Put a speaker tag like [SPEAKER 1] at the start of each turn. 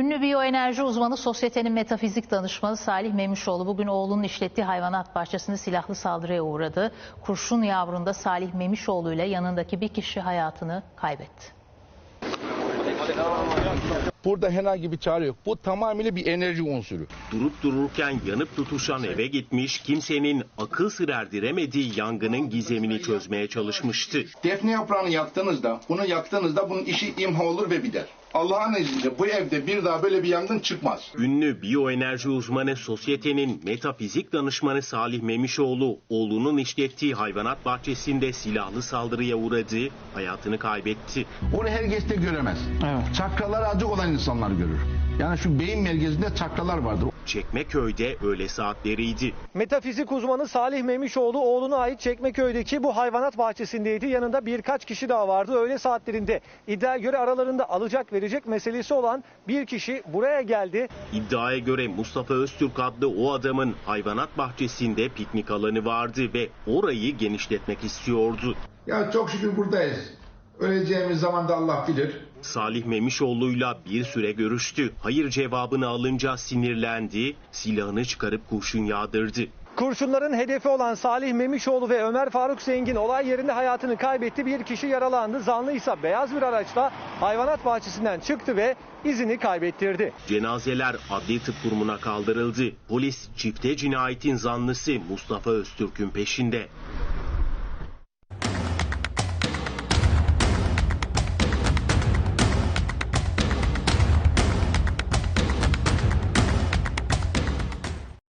[SPEAKER 1] Ünlü biyoenerji uzmanı, sosyetenin metafizik danışmanı Salih Memişoğlu bugün oğlunun işlettiği hayvanat bahçesinde silahlı saldırıya uğradı. Kurşun yavrunda Salih Memişoğlu ile yanındaki bir kişi hayatını kaybetti.
[SPEAKER 2] Burada herhangi bir çare yok. Bu tamamıyla bir enerji unsuru.
[SPEAKER 3] Durup dururken yanıp tutuşan eve gitmiş, kimsenin akıl sır erdiremediği yangının gizemini çözmeye çalışmıştı.
[SPEAKER 2] Defne yaprağını yaktığınızda bunun işi imha olur ve biter. Allah'ın izniyle bu evde bir daha böyle bir yangın çıkmaz.
[SPEAKER 3] Ünlü biyoenerji uzmanı, sosyetenin metafizik danışmanı Salih Memişoğlu, oğlunun işlettiği hayvanat bahçesinde silahlı saldırıya uğradı, hayatını kaybetti.
[SPEAKER 4] Onu herkes de göremez. Evet. Çakralar acı olan insanlar görür. Yani şu beyin merkezinde çakralar vardır.
[SPEAKER 3] Çekmeköy'de öğle saatleriydi.
[SPEAKER 5] Metafizik uzmanı Salih Memişoğlu oğluna ait Çekmeköy'deki bu hayvanat bahçesindeydi. Yanında birkaç kişi daha vardı. Öğle saatlerinde iddiaya göre aralarında alacak verecek meselesi olan bir kişi buraya geldi.
[SPEAKER 3] İddiaya göre Mustafa Öztürk adlı o adamın hayvanat bahçesinde piknik alanı vardı ve orayı genişletmek istiyordu.
[SPEAKER 2] Ya çok şükür buradayız. Öleceğimiz zaman da Allah bilir.
[SPEAKER 3] Salih Memişoğlu'yla bir süre görüştü. Hayır cevabını alınca sinirlendi, silahını çıkarıp kurşun yağdırdı.
[SPEAKER 5] Kurşunların hedefi olan Salih Memişoğlu ve Ömer Faruk Zengin olay yerinde hayatını kaybetti. Bir kişi yaralandı. Zanlı ise beyaz bir araçla hayvanat bahçesinden çıktı ve izini kaybettirdi.
[SPEAKER 3] Cenazeler adli tıp kurumuna kaldırıldı. Polis çifte cinayetin zanlısı Mustafa Öztürk'ün peşinde.